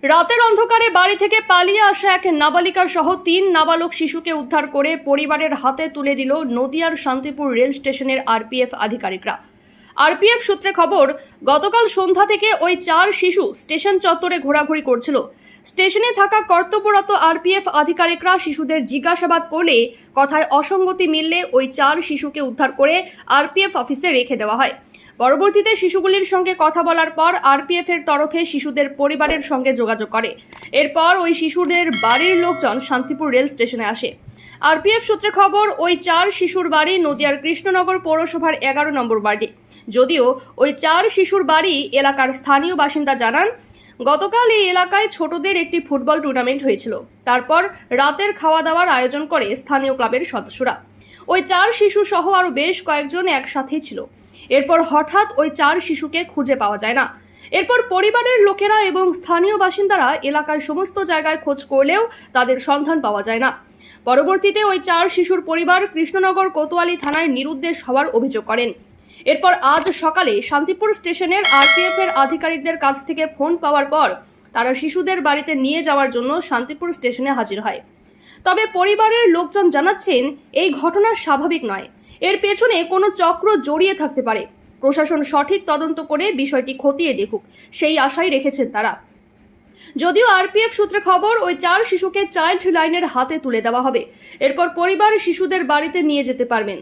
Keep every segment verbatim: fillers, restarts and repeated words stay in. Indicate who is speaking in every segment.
Speaker 1: রাতের অন্ধকারে বাড়ি থেকে পালিয়ে আসা এক নাবালিকা সহ তিন নাবালক শিশুকে উদ্ধার করে পরিবারের হাতে তুলে দিল নদিয়ার শান্তিপুর রেল স্টেশনের আরপিএফ আধিকারিকরা। আরপিএফ সূত্রে খবর, গতকাল সন্ধ্যা থেকে ওই চার শিশু স্টেশন চত্বরে ঘোরাঘুরি করছিল। স্টেশনে থাকা কর্তব্যরত আরপিএফ আধিকারিকরা শিশুদের জিজ্ঞাসাবাদ করলে কথায় অসঙ্গতি মিললে ওই চার শিশুকে উদ্ধার করে আরপিএফ অফিসে রেখে দেওয়া হয়। পরবর্তীতে শিশুগুলির সঙ্গে কথা বলার পর আরপিএফ এর তরফে শিশুদের পরিবারের সঙ্গে যোগাযোগ করে। এরপর ওই শিশুদের বাড়ির লোকজন শান্তিপুর রেল স্টেশনে আসে। আরপিএফ সূত্রে খবর, ওই চার শিশুর বাড়ি নদিয়ার কৃষ্ণনগর পৌরসভার এগারো নম্বর ওয়ার্ডে। যদিও ওই চার শিশুর বাড়ি এলাকার স্থানীয় বাসিন্দা জানান, গতকাল এই এলাকায় ছোটদের একটি ফুটবল টুর্নামেন্ট হয়েছিল। তারপর রাতের খাওয়া দাওয়ার আয়োজন করে স্থানীয় ক্লাবের সদস্যরা। ওই চার শিশু সহ আরও বেশ কয়েকজন একসাথেই ছিল। এরপর হঠাৎ ওই চার শিশুকে খুঁজে পাওয়া যায় না। এরপর পরিবারের লোকেরা এবং স্থানীয় বাসিন্দারা এলাকার সমস্ত জায়গায় খোঁজ করলেও তাদের সন্ধান পাওয়া যায় না। পরবর্তীতে ওই চার শিশুর পরিবার কৃষ্ণনগর কোতোয়ালি থানায় নিরুদ্দেশ হওয়ার অভিযোগ করেন। এরপর আজ সকালে শান্তিপুর স্টেশনের আরপিএফ এর আধিকারিকদের কাছ থেকে ফোন পাওয়ার পর তারা শিশুদের বাড়িতে নিয়ে যাওয়ার জন্য শান্তিপুর স্টেশনে হাজির হয়। তবে পরিবারের লোকজন জানাচ্ছেন, এই ঘটনা স্বাভাবিক নয়, এর পেছনে কোনো চক্র জড়িয়ে থাকতে পারে। প্রশাসন সঠিক তদন্ত করে বিষয়টি খতিয়ে দেখুক, সেই আশাই রেখেছেন তারা। যদিও আরপিএফ সূত্রে খবর, ওই চার শিশুকে চাইল্ড লাইনের হাতে তুলে দেওয়া হবে। এরপর পরিবার শিশুদের বাড়িতে নিয়ে যেতে পারবেন।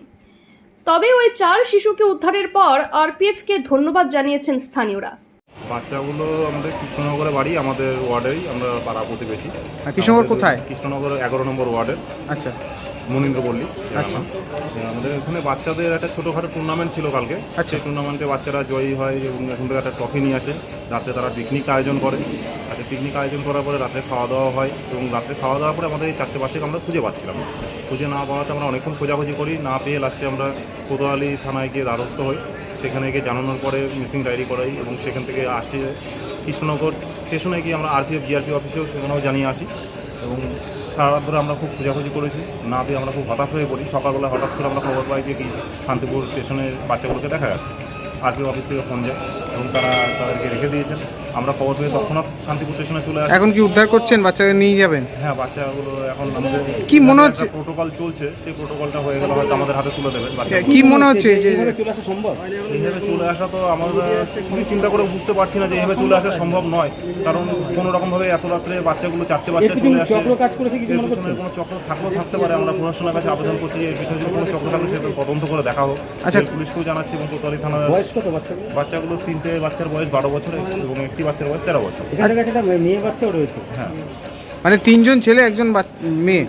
Speaker 1: তবে ওই চার শিশুকে উদ্ধারের পর আরপিএফ কে ধন্যবাদ জানিয়েছেন স্থানীয়রা।
Speaker 2: বাচ্চাগুলো আমাদের কৃষ্ণনগরে বাড়ি, আমাদের ওয়ার্ডেই, আমরা পাড়া প্রতিবেশী।
Speaker 3: কৃষ্ণনগর কোথায়?
Speaker 2: কৃষ্ণনগর এগারো নম্বর ওয়ার্ডের।
Speaker 3: আচ্ছা,
Speaker 2: মনীন্দ্রপল্লী।
Speaker 3: আচ্ছা,
Speaker 2: আমাদের এখানে বাচ্চাদের একটা ছোটোখাটো টুর্নামেন্ট ছিল কালকে।
Speaker 3: আচ্ছা,
Speaker 2: সেই টুর্নামেন্টে বাচ্চারা জয়ী হয় এবং এখন থেকে একটা ট্রফি নিয়ে আসে। রাতে তারা পিকনিক আয়োজন করে। আচ্ছা, পিকনিক আয়োজন করার পরে রাতে খাওয়া দাওয়া হয় এবং রাতে খাওয়া দাওয়ার পরে আমাদের এই চারটে বাচ্চাকে আমরা খুঁজে পাচ্ছিলাম। খুঁজে না পাওয়াতে আমরা অনেকক্ষণ খোঁজাখুঁজি করি, না পেয়ে লাস্টে আমরা কোতোয়ালি থানায় গিয়ে দ্বারস্থ হই। সেখানে গিয়ে জানানোর পরে মিসিং ডায়েরি করাই এবং সেখান থেকে আসছে কৃষ্ণনগর স্টেশনে গিয়ে আমরা আরপিএফ জিআরপি অফিসেও সেখানেও জানিয়ে আসি এবং সারা রাত ধরে আমরা খুব খোঁজাখুঁজি করেছি, না পেয়ে আমরা খুব হতাশ হয়ে পড়ি। সকালবেলা হঠাৎ করে আমরা খবর পাই যে কি শান্তিপুর স্টেশনের বাচ্চাগুলোকে দেখা গেছে। আরপিএফ অফিস থেকে ফোন যায় এবং তারা তাদেরকে রেখে দিয়েছেন। আমরা খবর পেয়ে তৎক্ষণাৎ শান্তিপুর স্টেশনে চলে আসি।
Speaker 3: এখন কি উদ্ধার করছেন? বাচ্চাদের নিয়ে যাবেন?
Speaker 2: হ্যাঁ, বাচ্চাগুলো এখন আমাদের
Speaker 3: কি মনে হচ্ছে
Speaker 2: প্রোটোকল চলছে, সেই প্রোটোকলটা হয়ে গেলে হয়তো আমাদের হাতে তুলে দেবেন।
Speaker 3: কি মনে হচ্ছে যে
Speaker 4: চলে আসা সম্ভব?
Speaker 2: এইভাবে চলে আসা তো আমরা কিছু চিন্তা করে বুঝতে পারছি না যে এইভাবে চলে আসা সম্ভব নয়, কারণ কোনো রকমভাবে এত রাত্রে বাচ্চাগুলো চারটে বাচ্চা চলে আসে।
Speaker 4: চক্র কাজ করেছে কিছু
Speaker 2: এর
Speaker 4: মনে
Speaker 2: পিছনে
Speaker 4: করছেন?
Speaker 2: কোনো চক্র থাকলেও থাকতে পারে। আমরা প্রশাসনের কাছে আবেদন করছি যে এর পিছনে যদি কোনো চক্র থাকলে সেটা তদন্ত করে দেখা হোক।
Speaker 3: আচ্ছা,
Speaker 2: পুলিশকেও জানাচ্ছি এবং কোতোয়ালি থানার।
Speaker 4: বয়স কত বাচ্চাগুলো?
Speaker 2: বাচ্চাগুলো তিনটে বাচ্চার বয়স বারো বছর এবং একটি বাচ্চার বয়স তেরো বছর।
Speaker 4: এখানে একটা মেয়ে বাচ্চাও রয়েছে।
Speaker 2: হ্যাঁ,
Speaker 3: মানে তিনজন ছেলে, একজন মেয়ে।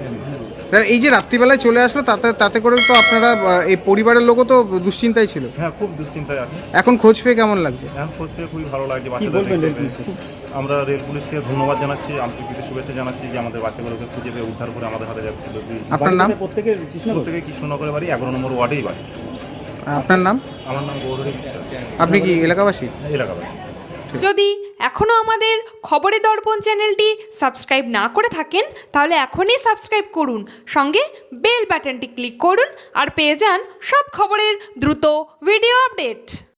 Speaker 3: এই যে রাত্রিবেলায় চলে আসলো, তাতে তাতে করে তো আপনারা এই পরিবারের লোকও তো দুশ্চিন্তায় ছিল।
Speaker 2: হ্যাঁ, খুব দুশ্চিন্তায় আছে।
Speaker 3: এখন খোঁজ পেয়ে কেমন লাগছে?
Speaker 2: এখন খোঁজ পেয়ে খুবই ভালো লাগছে। বাচ্চাদের আমরা রেল পুলিশকে ধন্যবাদ জানাচ্ছি, আন্তরিক শুভেচ্ছা জানাচ্ছি যে আমাদের বাচ্চাগুলোকে খুঁজে পেয়ে উদ্ধার করে আমাদের হাতে যাচ্ছে।
Speaker 3: আপনার নাম?
Speaker 4: প্রত্যেকের
Speaker 2: প্রত্যেকে কৃষ্ণনগরের বাড়ি, এগারো নম্বর ওয়ার্ডেই বাড়ি।
Speaker 3: আপনার নাম?
Speaker 2: আমার নাম গৌরী বিশ্বাস।
Speaker 3: আপনি কি এলাকাবাসী?
Speaker 2: এলাকাবাসী।
Speaker 5: যদি এখনও আমাদের খবরের দর্পণ চ্যানেলটি সাবস্ক্রাইব না করে থাকেন, তাহলে এখনই সাবস্ক্রাইব করুন, সঙ্গে বেল বাটনটি ক্লিক করুন আর পেয়ে যান সব খবরের দ্রুত ভিডিও আপডেট।